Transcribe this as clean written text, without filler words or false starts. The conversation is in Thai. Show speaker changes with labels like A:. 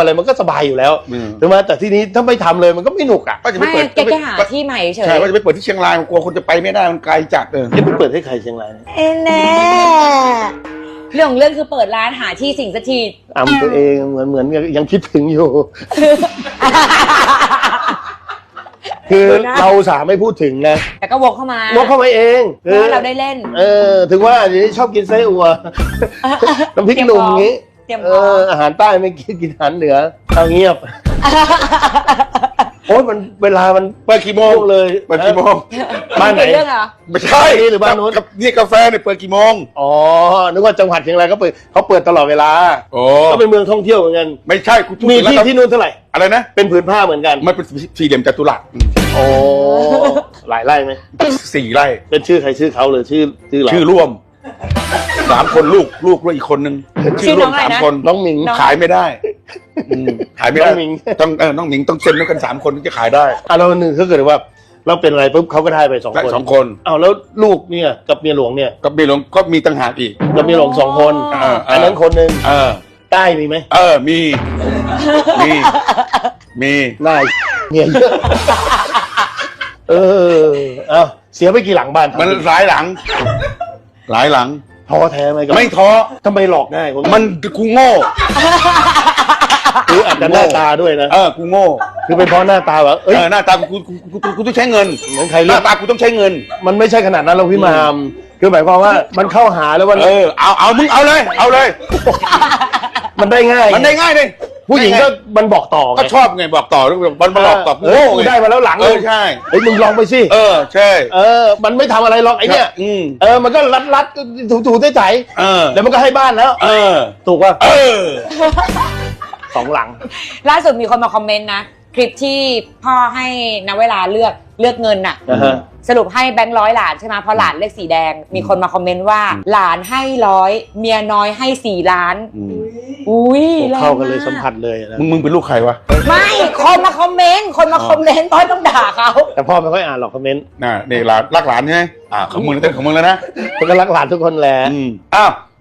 A: อะไรมันก็สบายอยู่แล้วถูกไหมแต่ที่นี้ถ้าไม่ทำเลยมันก็ไม่หนุกอ่ะ
B: ไม่แกหาที่ใหม่เฉย
C: ใช่ว่าจะไปเปิดที่เชียงรายกลัวคนจะไปไม่ได้มันไกลจัด
A: จะไปเปิดให้ใครเชียงราย
B: แน่เรื่องของเรื่องคือเปิดร้านหาที่สิ่งสักที
A: ตัวเองเหมือนยังคิดถึงอยู่ คือเราสาไม่พูดถึงนะ
B: แต่ก็วกเข้ามาว
A: กเข้ามาเอง
B: เพื่อเราได้เล่น
A: ถึงว่าเดี๋ยวนี้ชอบกินไส้อั่วน้ำพริกหนุ่มอย่างงี้อาหารใต้ไม่กินอาหารเหนือเอาเงียบโอ้ยมันเวลามัน
C: เปิดกี่โมง
A: เลย
C: เปิดกี่โมง
A: บ้านไหนไม่ใช่
C: หรือบ้านนู้นนี่กาแฟเนี่ยเปิดกี่โมง
A: อ๋อนึกว่าจังหวัดเชียงรายเขาเปิดตลอดเวลาก็เป็นเมืองท่องเที่ยวเหมือนกัน
C: ไม่ใช่
A: มีที่นู่นเท่าไหร่
C: อะไรนะ
A: เป็นผืนผ้าเหมือนกัน
C: มันเป็นสี่เหลี่ยมจัตุรัส
A: โอ้หลายไร่ไหม
C: 4 ไร่
A: เป็นชื่อใครชื่อเขาเลยชื่อเรา
C: ชื่อร่วม3 คนลูกด้วยอีกคนนึง
B: ชื่อร่วม3
A: คนน้องหมิง
C: ขายไม่ได้ขายไม่ได้น้องหมิงต้องเซ็นด้วยกัน3 คนถึงจะขายได้
A: เราหนึ่งถ้าเกิดว่าเราเป็นอะไรปุ๊บเขาก็ได้ไป2 คนแล้วลูกเนี่ยกับเมียหลวงเนี่ย
C: กับเมียหลวงก็มีต่างหากอีก
A: กับเมียหลวง2 คนอันนั้นคนนึงใต้มีไหม
C: มี
A: น่าเมียเยอะเสียไปกี่หลังบ้าน
C: มันหลายหลัง
A: ท้อแท้ไหม
C: ไม่ท้อ
A: ทำไมหลอกง่าย
C: มันกูโง่
A: คืออาจจะหน้าตาด้วยนะ
C: กูโง่
A: คือเป็นเพราะหน้าตาแบบ
C: หน้าตากูต้องใช้เงิน
A: เหมือนใคร
C: หน้าตากูต้องใช้เงิน
A: มันไม่ใช่ขนาดนั้นเราพี่มามคือหมายความว่ามันเข้าหาแล้วมัน
C: เอามึงเอาเลย
A: มันได้ง่าย
C: เลย
A: ผู้หญิงก็มันบอกต่อ
C: ก็ชอบไงบอกต่อมันบอกต่อโง่
A: ได้มาแล้วหลัง
C: ใช่
A: มึงลองไปสิ
C: ใช่
A: มันไม่ทำอะไรหรอกไอ้เนี่ยมันก็รัดถูใจแล้วมันก็ให้บ้านแล้วถูกป่ะ2 หลัง
B: ล่าสุดมีคนมาคอมเมนต์นะคลิปที่พ่อให้ณเวลาเลือกเงินน่ะสรุปให้แบงค์100หลานใช่ไหมเพราะหลานเลขสีแดงมีคนมาคอมเมนต์ว่าหลานให้100เมียน้อยให้4 ล้านอุ้ย
A: เข้ากันเลยสัมผัสเลยนะ
C: มึงเป็นลูกใครวะ
B: ไม่คนมาคอมเมนต์ต้อยต้องด่าเขา
A: แต่พ่อไม่ค่อยอ่านหรอกคอมเมนต์
C: นี่หลานรักหลานใช่ไหมของมึงแล้วนะ
A: มันก็รักหลานทุกคนแหละ
C: อ้าว